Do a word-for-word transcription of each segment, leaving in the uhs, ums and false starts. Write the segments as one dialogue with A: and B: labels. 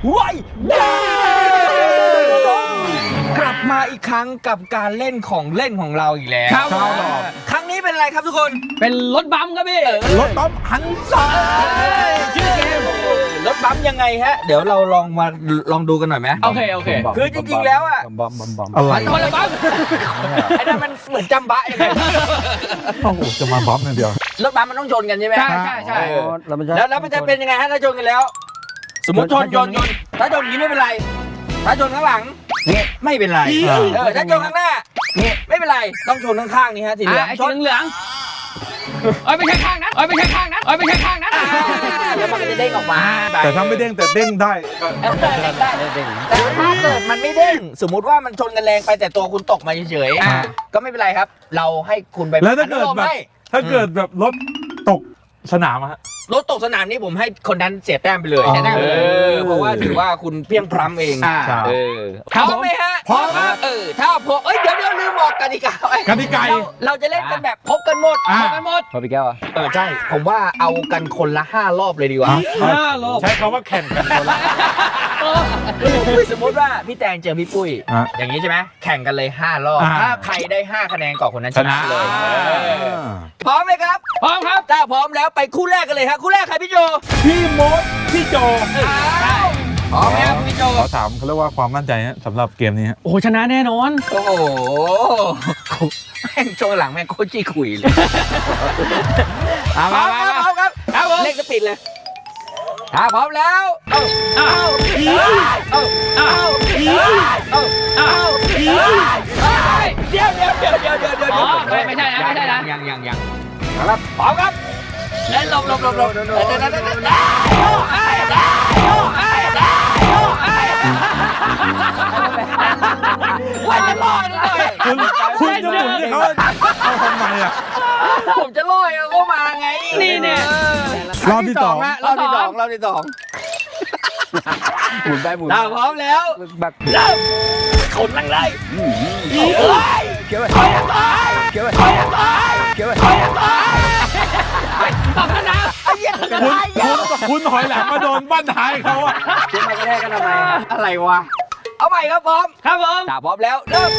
A: ว้ายกลับมาอีกครั้งกับการเล่นของเล่นของเราอีกแล้ว
B: ครับ
A: ครั้งนี้เป็นอะไรครับทุกคน
B: เป็นรถบัมป์ครับพี่
A: รถบัมหันซ้ายชื่อเกมรถบัมยังไงฮะ เดี๋ยวเราลองมาลองดูกันหน่อยไหม
B: โอเคโอเค
A: คือจริงๆแล้วอะ
C: บอมบอมบอม
D: อะไร
B: คนละบัมป์
A: ไอ้นั่นมันเหมือนจำบะยังไง
D: โอ้โหจะมาบอมอย่างเดียว
A: รถบัมมันต้องชนกันใช่ไหม
B: ใช่ใช่ใช่
A: เออ
C: แล้วมันจะ
A: แล้วแล้วมันจะเป็นยังไงฮะถ้าชนกันแล้ว สมมติชนชนชนถ้าชนอย่างนี้ไม่เป็นไร ถ้าชนข้างหลังนี่ไม่เป็นไร
D: อ่า
A: เออถ้าชนข้างหน้านี่ไม่เป็นไรต้องชนข้างๆนี่ฮะสีเหลือง
B: ไอ้
A: ช
B: สี
A: น
B: เหลืองเอ้ยไม่ใช่ข้างนั้นเอ้ยไม่ใช่ข้างนั้นเอ้ยไม่ใช่ข้างนั้น
A: อ่าแล้วมันก็จะเด้งออกมา
D: แต่ถ้าไม่เด้งแต่เด้งได้ก็
A: ได้ได้แต่ถ้าเกิดมันไม่เด้งสมมุติว่ามันชนกันแรงไปแต่ตัวคุณตกมาเฉย
B: อ่า
A: ๆก็ไม่เป็นไรครับ เราให้คุณไป
D: แล้วถ้าเกิด
A: อนุโลม
D: แบบ
A: ให้
D: ถ้าเกิดแบบรถตกสนามอะฮะ
A: รถตกสนามนี้ผมให้คนนั้นเสียแต้มไปเลย
D: อ๋อ
A: เออเพราะว่าถือว่าคุณเพียงพร้ำเอง
B: อ่า
A: เออพ
B: ครั
A: ร้
B: บ
A: อมไหมฮะ
D: พร้อมครับ
A: เออถ้าพร้อมเอ้ยเดี๋ยวเดี๋ยวลืมบอกกติกาไว้
D: กติกา
A: เราเราจะเล่นกันแบบพบกันหมด
D: อ่า
B: พบกันหมด
C: พอพี่แก้วอ่ะ
A: เออใช่ผมว่าเอากันคนละห้ารอบเลยดีกว่า
B: ห้าโล
D: ใช้คำว่าแข่งกันคนละ
A: สมมติว่าพี่แตงเจอพี่ปุ้ย
D: อ่ะ
A: อย่างนี้ใช่ไหมแข่งกันเลยห้ารอบ
D: อ่า
A: ถ้าใครได้ห้าคะแนนก่อนคนนั้นชนะเลย
B: ชนะ
A: เออพร้อมไหมครับ
B: พร้อมครับ
A: ถ้าพร้อมแล้วไปคู่แรกกันเลยครับคู่แรกใครพี่โจ
D: พี่มดพี่โจ
A: อ้าวพร้อมไหมครับพี่โจ
D: ขอถามเขาเรียกว่าความมั่นใจฮะสำหรับเกมนี้ฮะ
B: โอ้โหชนะแน่นอน
A: โอ้โหแม่งช่วงหลังแม่งโคตรจี้คุยเลย
B: เอา
A: พร้
B: มา
A: อม
B: มา
A: ครับพร้อมครับ
B: ครับผม
A: เลขสปีดเลยถ้าพร้อมแล้วเอา
B: อ้าว
A: เอาเอา
B: อ้าว
A: เอา
B: อ้าว
A: เดี๋ยวเดี๋ยวเดี๋ยวเดี๋ยวเดี๋ยวเดี๋ยว
B: อ๋อไม่ไม่ใช่นะไม่ใช่นะ
A: ยังยังยังครับพร้อมครับเล่นหลบหลบหลบหลบเดี๋ยวเดี๋ยวเดี๋ยวเดี๋ยวเดี๋ยวโยกไอ้ได้โยกไอ้ได้โยกไอ้ว่าจะลอยหน่อย
D: คุณคุณจะหมุนให้เขาเอาทำไมอ่ะ
A: ผมจะลอยเอาเข้ามาไง
B: นี่เนี่ย
D: รอบที่สอง
A: ฮะรอบที่สองรอบที่สอง
C: หมุนไปหมุน
A: ถ้าพร้อมแล้ว
C: แบบ
A: เริ่มขนลังเลยเฮ้ย
C: เขียวไป
A: ถอยหลังถอย
C: เขียวไป
A: ถอยหลังถอย
C: เขียวไป
A: ถอยหลังถอย
B: ตอบชนะ
A: ไอ้เหี้ยจะ
D: คุณ
A: ตายเย
D: คุ
A: อะ
D: ณคุณถอยหลังมาโดนบ้านท้ายเขาอ่ะ
C: ขึ้นมากระแทกกันทำไมอะ
A: อะไรวะ เอาใหม่ครับพร้อม
B: ครับผม
A: ถ้าพร้อมแล้วเริ่ม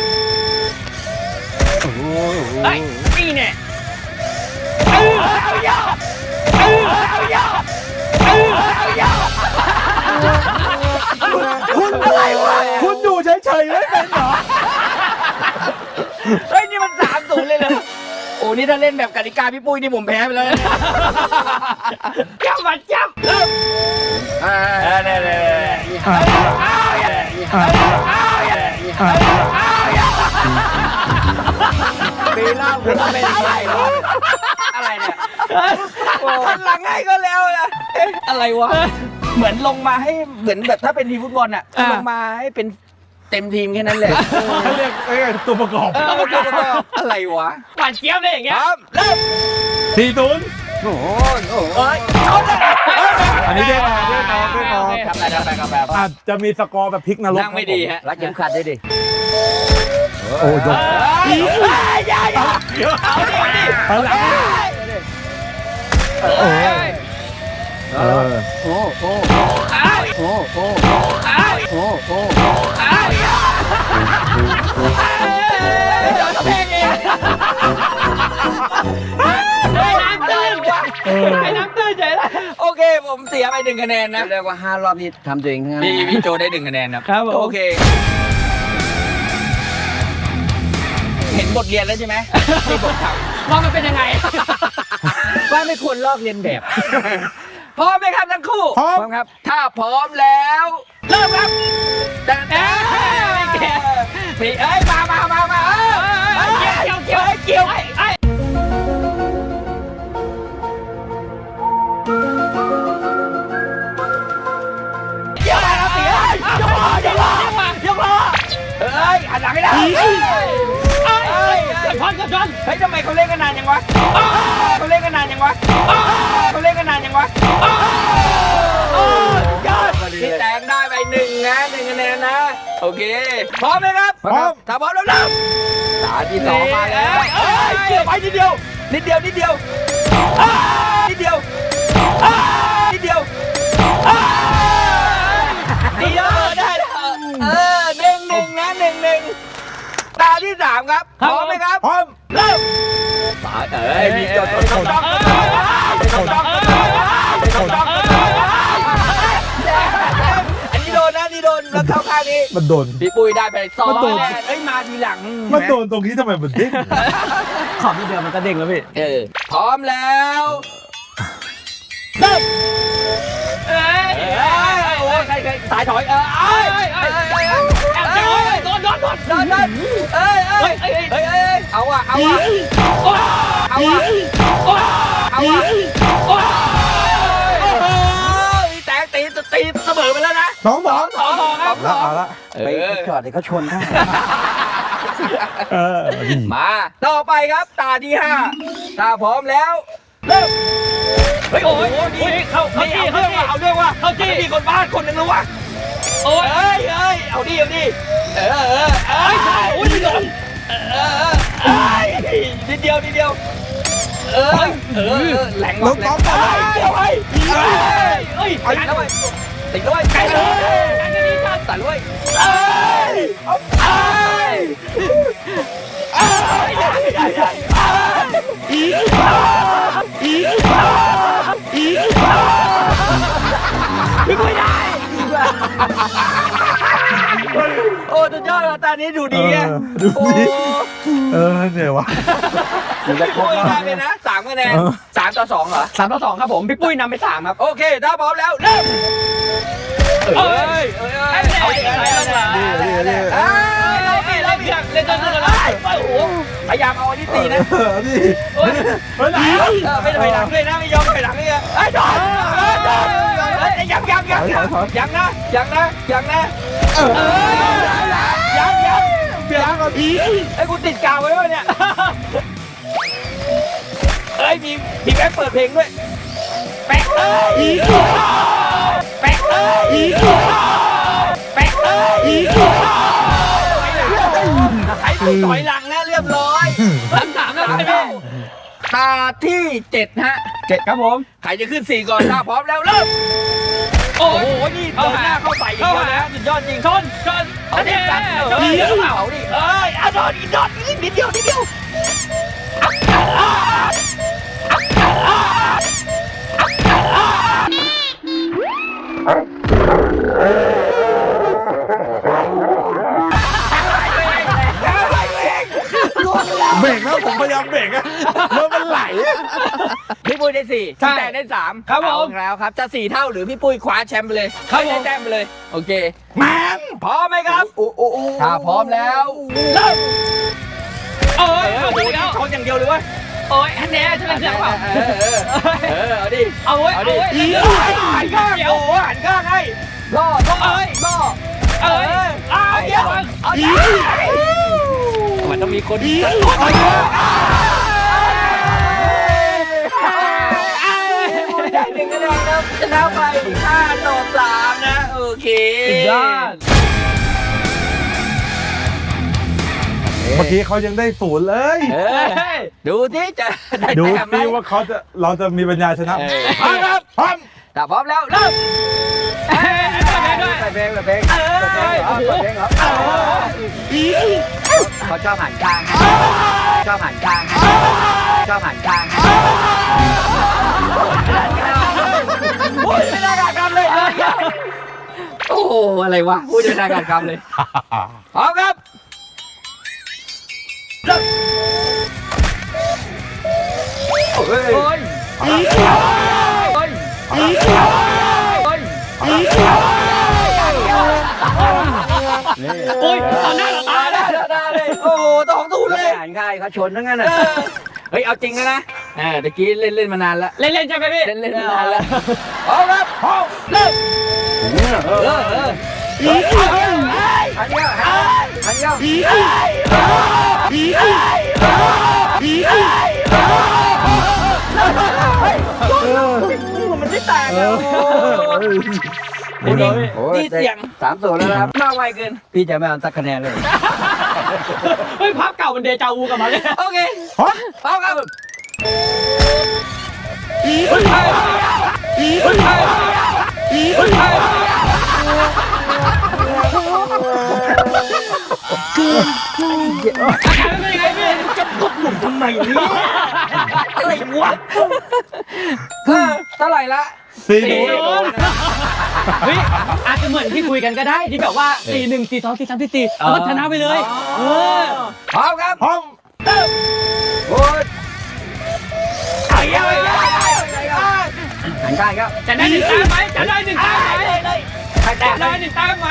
B: เฮ้ยนี่เนี่ย
A: เอาเยอะเอาเยอะเอาเยอะ
D: คุณอะไรวะคุณอยู่เฉยๆไม่เป็นเหรอ
A: เฮ้ยนี่มันสามศูนย์เลยเลยโอ้นี่ถ้าเล่นแบบกติกาพี่ปุ้ยนี่ผมแพ้ไปเลย
B: จับมาจับ
A: เริ่มอ่าเนี่ยเนี่ยปีล่าคุณเป็นอะไรวะอะไรเนี่ยหันหลังให้ก็แล้วนะเอ๊ะอะไรวะเหมือนลงมาให้เหมือนแบบถ้าเป็นทีมฟุตบอลอ่ะลงมาให้เป็นเต็มทีมแค่นั้นแหละ
D: เขาเรียกไอ้ตัวประกอบ
A: แล้วมันก็อะไรวะ
B: หวานเจี๊ยบเลยอย่าง
A: ค
B: เงี้ย
A: รับเริ่ม
D: สี่ศูนย์
C: โอ้โหโอ้โห
A: เอ้ยเอาเลย
D: อันนี้เด้งออกเด้งออกเด้งออก
A: ทำไปทำไปทำไป
D: อาจจะมีสกอร์แบบพลิกนรก
A: นั่งไม่ดีฮะ
C: รัดเข็มขัดด้วยดิ
D: โอ้ยยก
A: เฮ้ยอย่าอย่าเอาดิเอาดิ
D: เอาหลัง
A: เอ้ย
D: เออ
C: โอ้โห
A: เอ้ย
C: โอ้โห
A: เอ้ย
C: โอ้โห
A: เอ้ยเดี๋ยวจะแพงเอง
B: ไอ้น้ำตื้น
D: เออ
B: ไอ้น้ำตื้นเฉยเลย
A: โอเคผมเสียไปหนึ่งคะแนนนะ
C: เรียกว่าห้ารอบนี้ทำตัวเองทั้งนั้น
A: พี่พี่โจได้หนึ่งคะแนนนะครับ
B: ผม
A: โอเค เห็นบทเรียนแล้วใช่ไหมที่ผมทำ
B: ว่ามันเป็นยังไง
A: ว่าไม่ควรลอกเรียนแบบ พร้อมไหมครับทั้งคู่
D: พร้อม
C: พร้อมครับ
A: ถ้าพร้อมแล้ว เริ่มครับแต่แต่
B: ไม่เกี่ยว
A: พี่เอ้ยมามามามาเอ้ย
B: เกี่ยวเกี่ยว
A: เกี่ยว
B: ไอ้
A: เกี่ยวอะไรครับพี่เอ้ยยกล้อยกล้อยกล้อเอ้ยหันหลังให้ได้เอ้ยเอ้ย
B: กระชอนกระชอน
A: เฮ้ยทำไมเขาเล่นกันนานยังวะเขาเล่นกันนานยังวะเขาเล่นกันนานยังวะยอดพี่แตงได้ไปหนึ่งนะหนึ่งคะแนนนะโอเคพร้อมไหมครับ
D: พร้อม
A: ถ้าพร้อมแล้วเริ่ม
C: ตาที่สองมาแล้ว
A: เอ้ยเกี่ยวไปนิดเดียวนิดเดียวนิดเดียวอ้าวนิดเดียวอ้าวนิดเดียวอ้าวนิที่สามครับพร้อมไหมครับ
D: พร้อม
A: เริ่ม
C: ตายเอ้ยมีจดจดจด
A: จ้องจ้องจ้องจ้องจ้องอันนี้โดนนะนี่โดนแล้วเข้าข้างนี้
D: มันโดน
C: พี่ปุ้ยได้ไปสอง
D: มันโดน
A: เอ้ยมาทีหลัง
D: มันโดนตรงนี้ทำไมมันเด้ง
B: ขอบที่เดียวมันก็เด้งแล้วพี่
A: เออพร้อมแล้วเริ่ม
B: เอ้ย
A: เอ้ยโอ้ยใครใครสายถอยเออเอ้ยเอ้ยเอ้ยเอ้ย
B: แอบโดนโดนโดนโดน
A: โดนโดนเอ้ยเอ้ยเอ้ยเอ้ยเอ้ยเอาอ่ะเอาอ่ะเอาอ่ะเอาอ่ะโอ้ยแตกตีตีเสมอไปแล้วนะ
D: สองสอง
B: สองสองครับ
D: แล้วเอาละ
C: ไปจอดเดี๋ยวเขาชนได้
D: เออดี
A: มาต่อไปครับตาที่ห้าถ้าพร้อมแล้วเริ่มเฮ้ยโอ้โหนี่
B: เข้าเข้า
A: นี่
B: จี้
A: เอา
B: เข้า
A: เรื่อง
B: จี้
A: ว่ะเอาเรื่องว่ะ
B: เข้าจี้
A: มีคนบ้านคนหนึ่งแล้ววะ
B: โอ้ย
A: เอ้ยเอ้ยเอาดิเอาดิเออเออเอ้ย
B: โอ้ยโดน
A: เออเออเอ้ยนิดเดียวนิดเดียวเออเออแหลงว่ะแหลงเดี๋ยวไอ้เอ้ย
B: เอ้ย
A: ติดแล้วไอ้ติดด้วยไก่เลย
B: การจะดีจัด
A: ตัดด้วยเอ้ยเอ้ยเอ้ยใหญ่ใหญ่ใหญ่อีอีอีไม่ได้โอ้สุดยอดตานี้ดูดีอ่ะ
D: ดูดิเออเหนื่อยวะ
C: มันจะครบ
A: ปุ้ย
C: แล้ว
A: ได้ไปนะสามคะแนน
D: เออ
A: สามต่อสองเหรอ
B: สามต่อสองครับผมพี่ปุ้ยนำไปสามครับ
A: โอเคถ้าพร้อมแล้วเริ่มเอ้ยเอ้ยเอ้ยเอาดิเอาดิเอาดิเอาดิเอ้ย
B: เราพี่เราพี่เล่นจนสุดแล้วโอ้โห
A: พยายามเอาอันนี้ตีนะ
D: เออดิ
B: โอ้ย
D: ไปไหน
A: เออไม่ถอยหลังด้วยนะไม่ยอมถอยหลังเลยไอ้ยถอยยังยังยังยังยังนะยังนะยังนะเออยังยังยังก่อนผีไอ้กูติดกาวไว้วะเนี่ยเอ้ยมีมีแป๊บเปิดเพลงด้วยแป๊กเอ้ยแป๊กเอ้ยแป๊กเอ้ยไอ้กูถอยหลังนะเรียบร้อย
B: สามสามแล้วใช่ไหม
A: ตาที่เจ็ดฮะ
B: เจ็ดครับผม
A: ใครจะขึ้นสี่ก่อนถ้าพร้อมแล้วเริ่ม
B: โอ้
A: โอ้
B: โห
A: โหนี่เดินหน้าเข้าใส่อีกแล้วนะสุดยอดจริง
B: ชนชน
A: เอาดิจัดเอาดิเอาดิเอ้ยเอาโดนอีกโดนอีกนิดเดียวนิดเดียว
D: เบรกแล้วผมพยายามเบรกอะแล้วมันไหลอะ
A: พี่ปุ้ยได้สี่พี่แตนได้สาม
B: ครับผม
A: เอาแล้วครับจะสี่เท่าหรือพี่ปุ้ยคว้าแชมป์ไปเลย
B: ครับผม
A: ได้แต้มไปเลยโอเคแมนพร้อมไหมครับ
C: โอ้โอ้โอ้
A: ถ้าพร้อมแล้วเริ่ม
B: โอ้ย
A: เออ
B: เอา
A: โอ้
B: ไป
A: โห
B: แล้ว
A: ชนอย่างเดียวเลยวะ
B: โอ้ยอันนี้จะเป็นเสียงเปล่า
A: เออเออเออเอาดิ
B: เอาไว้
A: เอา
B: เอา
A: ดิ
B: ไว้
A: หันข้างโอ้โหหันข้างให้ล่อล่อ
B: เอ้ย
A: ล่อ
B: เอ้ย
A: เอาเดี๋ยวเอาเดี๋ยวมันต้องมีคนดีเอาเดี๋ยวได้หนึ่งคะแนนครับชนะไปห้าต่อสามนะโอเค
B: ยอด
D: เมื่อกี้เขายังได้ศูนย์เลย
A: เออดูที่จะได้
D: ดู
A: แต้มไหม
D: สิว่าเขาจะเราจะมีปัญญาชนะ
A: เออพร้อมครับ
D: พร้อม
A: ถ้าพร้อมแล้วเริ่ม
B: เอ้ยด้วย
C: เปิดเพลงเปิดเพลง
A: เออ
C: เปิดเพลงเหรอเปิดเพลงเหรอเขาชอบหันข้างให้ชอบหันข้างให้ชอบหันข้างให้
A: โอ้ยไม่ได้การกรรมเลยโอ้โหอะไรวะพูดไม่ได้การกรรมเลยพร้อมครับเริ่มโอ้ย
B: โอ้ย
A: โอ้ย
B: โอ้ย
A: โอ้ย
B: โอ้ยต่อหน้าต่อตา
A: ตา
B: เล
A: ได้
B: ย
A: ตาได้โอ้โหต้องถูก
C: แล้ว
A: เลย
C: ไปหันข้างให้เขาชนทั้งนั้น
A: เอ
C: น่ะ
A: อเฮ้ยเอาจริงนะนะเออตะกี้เล่นเล่นมานานแล้ว
B: เล่นเล่นใช่ไหมพี่
A: เล่นเล่นมานานแล้วพร้อมครับพร้อมเริ่ม
C: เออ
A: เออเออ
C: หันเดียวหันเดียวหันเดียว
A: มันไม่ต่างเลย
D: โอ้โห
C: โอ้ย
A: นี่เสียง
C: สามตัวแล้วนะครับ
A: มาไวเกิน
C: พี่จะไม่เอาสักคะแนนเลย
B: เฮ้ยภาพเก่ามันเดจาวูกลับมาเลย
A: โอเค
D: พร้อม
A: พร้อมครับ
B: โอาการเป็นยังไงพี่
A: จะกดหนุ่มทำไมเนี่ยอะไรวะเออเท่าไหร่ละ
D: สี่
B: สี่
D: ศูนย์
B: ศูนย์เฮ้ยอาจจะเหมือนที่คุยกันก็ได้ที่แบบว่าสี่หนึ่งสี่สองสี่สามสี่สี่แล้วก็ชนะไปเลยเออ
A: พร้อมครับ
D: พร้อม
A: โอ้ยไอ้ยังไงไอ้ยัง
C: หันข้างครับ
B: จะได้หนึ่งแต้มไหมจะได้หนึ่งแต้มไหม
A: ใครแตะ
B: จะได้หนึ่งแต้มไหม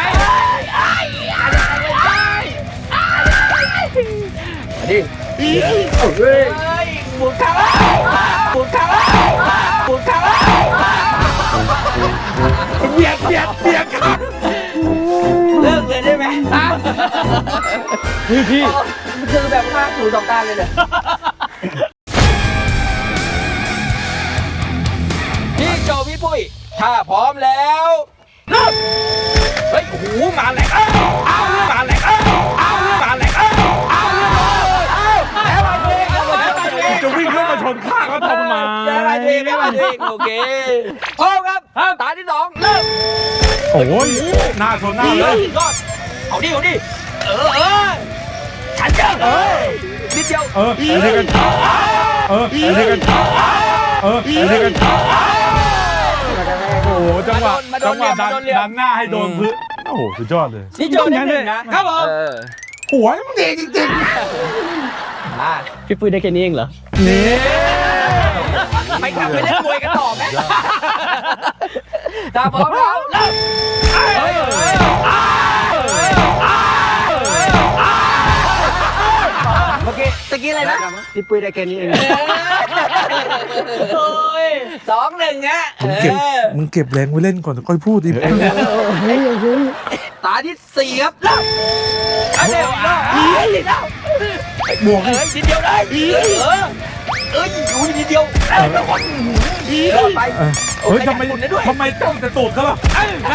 A: ดิเฮ้ยบุกเข้าบุกเข้าบุกเข้า
D: เบียดเบียดเบียดครับ
A: เลิกเลยได้ไหม
B: เฮ้ยพี่
A: คือแบบว่าถูสองตาเลยเนี่ยพี่โจพี่ปุ้ยถ้าพร้อมแล้วเริ่มเฮ้ยโอ้โหมาแหลกเอ้าเอามาแหลกเอ้าเอามาแหลกเอ้าเอาเอาแล้วมาเองแล้วมาเอง
D: จะวิ่งขึ้นมาชนข้างเขาทำไม
A: แล้วมาเองแล้วมาเองโอเคพร้อมครับตาที่สองเริ่ม
D: โอ้ยหน้าชนหน้าเลย
A: ยอดเอาดิเอาดิเออเออฉันเจอเอ้ยนิดเดียว
D: เออไอ้นี่กันเออไอ้นี่กันเออไอ้นี่กันโอ้โหจังหวะจังหวะดันดันหน้าให้โดนพื้นโอ้โหสุดยอดเลย
A: นี่โจนิดหนึ่งนะครับผม
D: หัวมันดีจริง
A: อ่า
B: พี่ปุ้ยได้แค่นี้เองเหรอ
A: ไปกลับไปเล่นมวยกันต่อไหมตาพร้อมแล้วเริ่มเฮ้ยเฮ้ยเมื่อกี้ตะกี้อะไรนะ
C: พี่ปุ้ยได้แค่นี้เอง
A: โอ้ยสองหนึ่งฮะ
D: มึงเก็บมึงเก็บแรงไว้เล่นก่อนค่อยพูดดิ
A: ตาที่สี่ครับเริ่มเอาเดี๋ยวเอาเฮ้ยเดี๋ยว
D: บวก
A: เอ้ยนิดเดียวได้เออเอ้ยอยู่นิดเดียวเอ้ยทุกคนรอดไป
D: เฮ้ยทำไมทำไมจ้องแต่ตูดเขาล่ะ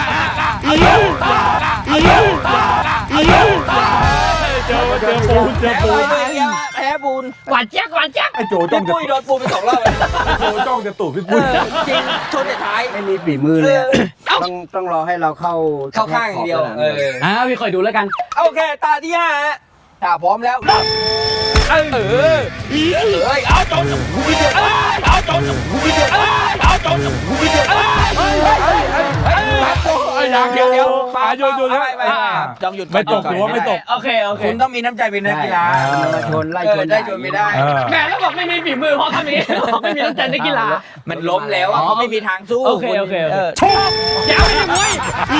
D: เจอเจอปูนเจอ
A: แพ้
D: ปูน
A: ไปเลยอะแพ้ปูน
B: หวานแจ๊กหวานแจ๊ก
D: ไอ้โจจ้อ
A: พี่
D: งจะ
A: ปุ้ยโดนปูนไปสองรอบ
D: โจจ้องจะตูดพี่
A: เอ
D: ปุ้ย
A: อจริงชนแต่ท้าย
C: ไม่มีฝีมือเลยอะต้องต้องรอให้เราเข้า
A: เข้าข้างอย่างเดียวเออ
B: อ่าพี่คอยดูแล้วกัน
A: โอเคตาที่ห้าฮะถ้าพร้อมแล้วเริ่มเออเออเอ้ยเอาจนกูไม่เดือดเอาจนกูไม่เดือดเอาจนกูไม่เดือดเฮ้ยเฮ้ยเฮ้ยเฮ้ยเฮ้ยเดี๋ยวเดี๋ยวฟัง
D: หยุดหยุด
A: ไปไปจองหยุด
D: ไม่ตกหรือว่าไม่ตก
B: โอเคโอเค
A: คุณต้องมีน้ำใจเป็นนักกีฬา
C: มาชนไล่ชน
A: ได้ชนไม่ได้
B: แหมแล้วบอกไม่มีฝีมือเพราะคำนี้บอกไม่มีน้ำใจนักกีฬา
A: มันล้มแล้วอะเขาไม่มีทางสู้
B: โอเคโอเคโอเค
A: ชก
B: ยาวไปเลยมุ้ย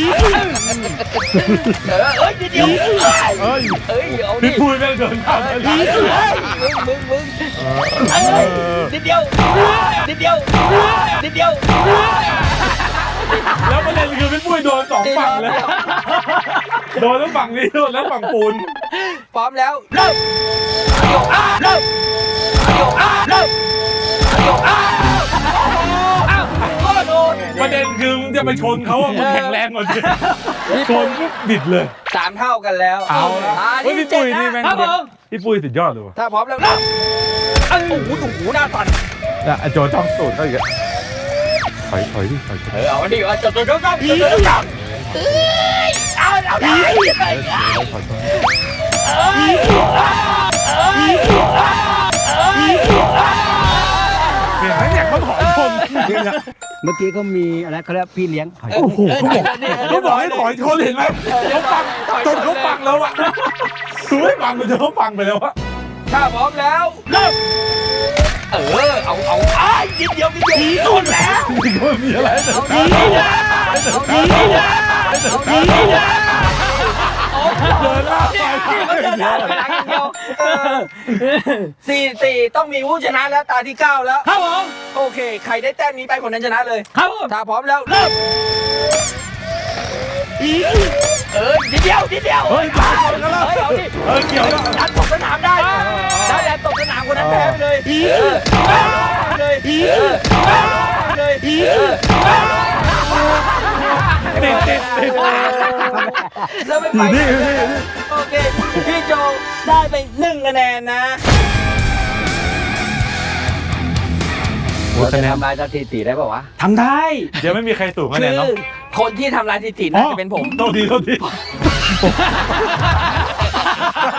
A: เออเอ้ยนิดเดียว
D: เอ้ย
A: เอ้ยเอาดิ
D: พี่ปุ้ยแม่งเดินข้ามไป
A: เฮ้ยมึงมึงมึงเอ้ยนิดเดียวนิดเดียวนิดเดียว
D: แล้วประเด็นคือพี่ปุ้ยโดนสองฝั่งเลยโดนทั้งฝั่งนี้โดนแล้วฝั่งปูน
A: พร้อมแล้วเริ่มโยกอ้าเริ่มโยกอ้าเริ่มโยกอ้าอ้าวก็โดน
D: ประเด็นคือมึงจะไปชนเขาอะมึงแข็งแรงกว่าดิชนปุ๊บบิดเลย
A: สามเท่ากันแล้ว
D: เอา
A: อ่า
D: เฮ้ยพี่ปุ้ยนี่แม่ง
B: ครับผม
D: พี่ปุ้ยสุดยอดเลยว่ะ
A: ถ้าพร้อมแล้วเริ่มโอ้โหโอ้โหหน้าสั่น
D: อ่ะไอ้โจจ้องตูดเขาอีกอะถอยถอยดิถอยถอย
A: เออเอาดิเอาจับจับจับจับจับจับเอ้ยเอาเอาได้
D: ถอยถอยเห็นไหมเนี่ยเขาถอยชนจริงอะ
C: เมื่อกี้เขามีอะไรเขาเรียกพี่เลี้ยงถอย
D: โอ้โหเขาบอกเขาบอกให้ถอยชนเห็นไหมเขาฟังจนเขาฟังแล้วอะคือไม่ฟังมันจะเขาฟังไปแล้วอะ
A: ถ้าพร้อมแล้วเริ่มเออเอาเอาไอ้นิดเดียวนิดเดียวโดนแล้ว
D: นี่ก็มีอะไรแต่
A: เอาดีนะเอาดีนะเอาดีนะโอ้
D: เดินหน้าไป
A: เขาเดินหน้าถอยหลังอย่างเดียวสี่สี่ต้องมีผู้ชนะแล้วตาที่เก้าแล้ว
B: ครับผม
A: โอเคใครได้แต้มนี้ไปคนนั้นชนะเลย
B: ครับผม
A: ถ้าพร้อมแล้วเริ่มเออนิดเดียวนิดเดียว
D: เฮ้ยตายกันแล้ว
A: เฮ้ยเอาดิ
D: เออเกี่ยวแล้ว
A: ดันตกสนามได้ได้แดนตกสนามคนนั้นแพ้ไปเลยเออเลยเออเลยเออ
D: ติดติดติด
A: แล้วไม่ไปโอเคพี่โจได้ไปหนึ่งคะแนนนะ
C: เราจะทำลายสถิติได้ป่าวะ
A: ทำได้
D: เดี๋ยวไม่มีใครสูงคะ
A: คื
D: แนน
A: อ
D: เนาะ
A: คนที่ทำลายสถิติน่าจะเป็นผม
D: โทษทีโทษที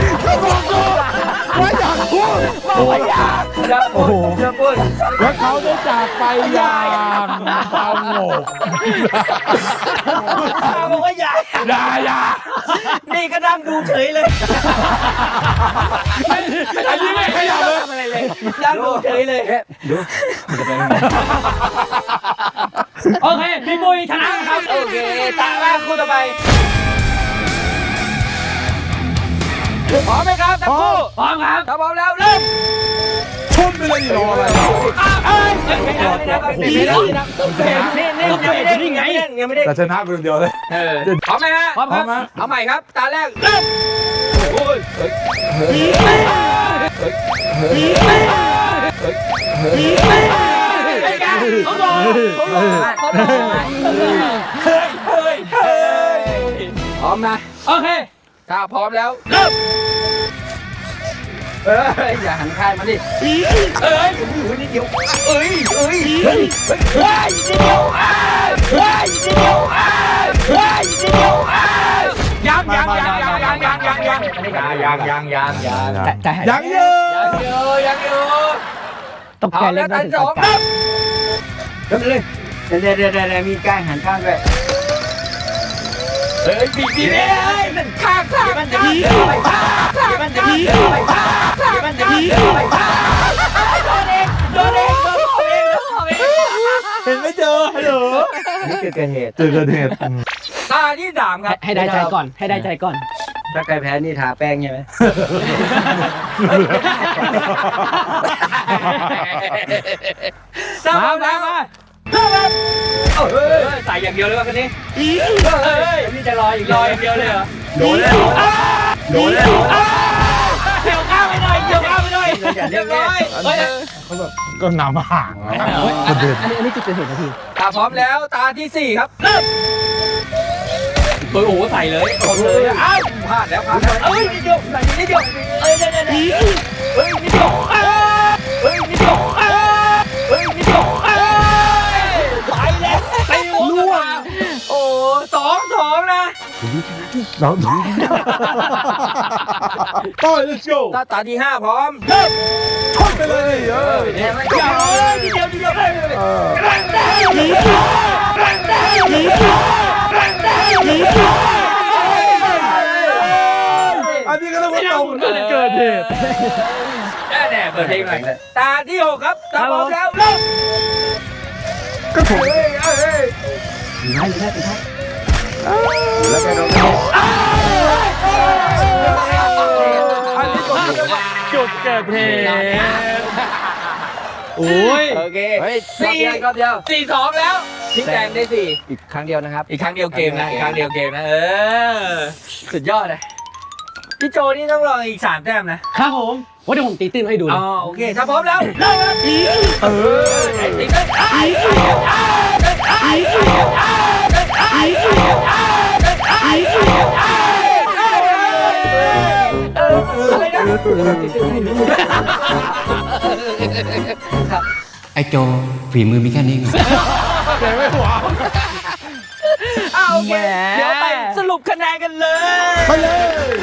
D: ว่าอยากพูด
A: บอกว่าอยากจะพูดจะพูด
D: แล้วเขาได้จากไปอย่างสงบ
A: บอกว่าอยาก
D: อย่าอย่า
A: นี่ก็นั่งดูเฉยเลย
D: อันนี้ไม่ขยับเลย
A: ทำอะไรเลยนั่งดูเฉยเลย
B: โอเคพี่ปุ้ยชนะครับ
A: โอเคตาแรกคู่ต่อไปพร้อมไหมครับทั้งคู่
B: พร้อมครับ
A: ถ้าพร้อมแล้วเริ่ม
D: ชนไปเลยดิรออะไร
A: เอ้ยไม่ได้ไม่ได้ไม่ได้ไม่ได้นี่นี่ยังไม่ได้ยังไม่ได้ยังไม่ได้
D: แต่ชนะไปคนเดียวเลย
A: พร้อมไหมฮะ
B: พร้อมครับ
A: เอาใหม่ครับตาแรกเริ่มโอ้ยเฮ้ยไอ้แกเขาบอกเขาบอกเขาบอกเฮ้ยเฮ้ยเฮ้ยพร้อมนะ
B: โอเค
A: ถ้าพร้อมแล้วเริ่มเอ้ยอย่าหันข้างมาดิเอ้ยโอ้โหนิดเดียวเอ้ยเอ้ยเฮ้ยเฮ้ยว้ายนิดเดียวอ้าวว้ายนิดเดียวอ้าวว้ายนิดเดียวอ้าวยังยังยังยังยังยังยังยัง
C: ยังยังยังยัง
B: แต่แต่
D: ยังเยอะ
A: ยังอยู่ยังอยู่
B: ตก
A: พ
B: ใจ
A: ร้อม
B: เล่
A: แล้ว
B: น
A: ท่านสองเริ่ม
C: เริ่มเลยเดี๋ยวเดี๋ยวเดี๋ยวเดี๋ยวมีก้างหันข้างด้วย
A: เฮ้ยบีบีเอ้ยมันข้างข้างมันจะมีไปข้างข้างมันจะมีไปข้างข้างมันจะมีไปข้างโดนเองโดนเองโดนเองโดนเอง
D: เห็นไม่เจอฮัลโหล
C: นี่คือเกิดเหตุ
D: เจอเกิดเหตุ
A: ตาที่สามครับ
B: ให้ได้ใจก่อน ให้ได้ใจก่อน
C: ถ้าใครแพ้นี่ทาแป้งใช่ไหม
B: มามามา
A: เฮ้ยใส่อย่างเดียวเลยว่ะคันนี้เฮ้ย
C: นี่จะรออีก
A: ลอยอย่างเดียวเลยเหรอ
C: โดนแล้วโดนแล้ว
A: เกี่ยวข้าวไปหน่อยเกี่ยวข้าวไปหน่อยเรียบร้อยเฮ้ย
D: ก็นำห่าง
B: เฮ้ยอันนี้อันนี้จุดเกิดเหตุนะพี่
A: ตาพร้อมแล้วตาที่สี่ครับเริ่มโอ้โหใส่เลยกดเลยอ้าวพลาดแล้วพลาดแล้วเอ้ยนิดเดียวใส่นิดเดียวเอ้ยเดี๋ยวเดี๋ยวเฮ้ยนิดเดียวเฮ้ยนิดเดียวเฮ้ยนิดเดียวไปแล้วไปล่วงโอ้สองสองนะ
D: แล้วต่อย let's go
A: ตาตาที่ห้าพร้อมเริ่ม
D: ชนไปเลยเออ
A: เดี๋ยวเดี๋ยวนิดเดียวนิดเดียวเลย
D: เออ อันนี้ก็ต้องว่าตรงเกิดเหตุ
A: แน่แน่เปิดเพลงหน่อยตาที่หกครับตาพร้อมแล้วเริ่ม
D: ก็ถูก
A: เฮ้ยเฮ้ย
C: ไม่ใช่ไม่ใช่แล้วก็โดน
D: อันนี้ก็จุดเกิดเหตุ
B: โอ้ย
A: โอเค
C: เฮ้ย
A: สี่
C: เดียวรอบเดียว
A: สี่สองแล้วพี่แดงได้สี่
C: อีกครั้งเดียวนะครับ
A: อีกครั้งเดียวเกมนะอีกครั้งเดียวเกมนะเออสุดยอดเลยพี่โจนี่ต้องรออีกสามแต้มนะครับ
B: ผมว่าเดี๋ยวผมตีตื้นให้ดู
A: อ๋
B: นะ
A: อโอเคถ้าพร้อมแล้วเริ่มครับ
D: เออ
A: ไอ้ติ๊กเอ้ยไอ้ไอ้ไอ้ไอ้ไอ้ไอ้ไอ้ไอ้ไอ้เอออะไรนะ
E: ไอ้โจฝีมือมีแค่นี้ไง
D: แต่ไม่หวง
A: เอาโอเคเดี๋ยวไปสรุปคะแนนกันเลย
D: ไปเลย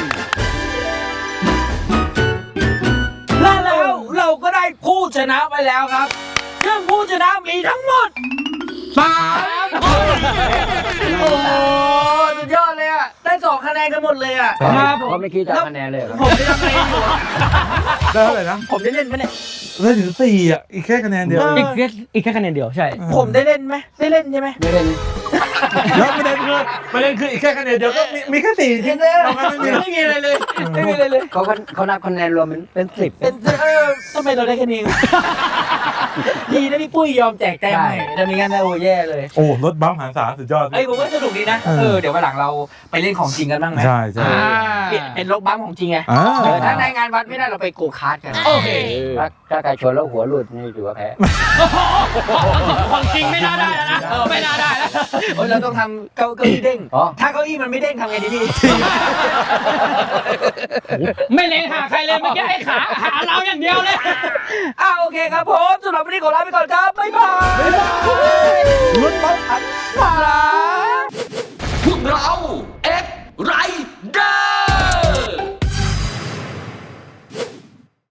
A: และแล้วเราก็ได้ผู้ชนะไปแล้วครับซึ่งผู้ชนะมีทั้งหมดสามคนโอ้สุดยอดเลยอ่ะได้สองคะแนนกันหมดเลยอ่ะ
B: ครับผ
C: เขา
B: ม
C: ไม่คิดจะคะแนนเลยเหรอ
A: ผมได้ทำอะไรอยู่อะ
D: ได้เท่าไหร่นะ
A: ผมได้เล่นไหมเนี่ย
D: ได้ถึงสี่อ่ะ อีกแค่คะแนนเดียว
B: อีกแค่อีกแค่คะแนนเดียวใช่
A: ผมได้เล่นไหมได้เล่นใช่ไหม
C: ไม่เป็น
D: แล้วประเด็นคือประเด็นคืออีกแค่คะแนนเดียวก็มีมีแค่สี่จริง
A: ไม่
D: เราไม่มี
A: มีอะไรเลยไม่มีอะไรเลย
C: เขาเขานับคะแนนรวมเป็นเป็นสิบ
A: เป็นเออทำไมเราได้แค่นี้ดีนะพี่ปุ้ยยอมแจกแต้มให้แต่ไม่งั้นนะโอ้แย่เลย
D: โอ้รถบัมป์หันษาสุดยอด
A: เอ้ยผมว่าสนุกดีนะ
D: เออ
A: เออเดี๋ยววันหลังเราไปเล่นของจริงกันบ้างไหม
D: ใช่ใช่
A: เปลี่ยนเป็นรถบัมป์ของจริงไง
D: อ่า
A: เออถ้าในงานวัดไม่ได้เราไปโกคาร์ทกันโอเค
C: ถ้าถ้าใครชนแล้วหัวหลุดนี่ถือว่าแพ้
B: ของจริงไม่น่าได้แล้วนะเออไม่น่าได้แล้ว
A: เออเราต้องทำเก้าเก้าอี้เด้ง
C: อ๋อ
A: ถ้าเก้าอี้มันไม่เด้งทำไงดีพี่
B: ไม่เล็งหาใครเลยเมื่อกี้ไอ้ขาหาเราอย่างเดียวเลย
A: อ่าโอเคครับผมสำหรับวันนี้ขอลาไปก่อนครับบ๊ายบาย
D: รถบัมป์
A: พวกเราเอ็กไร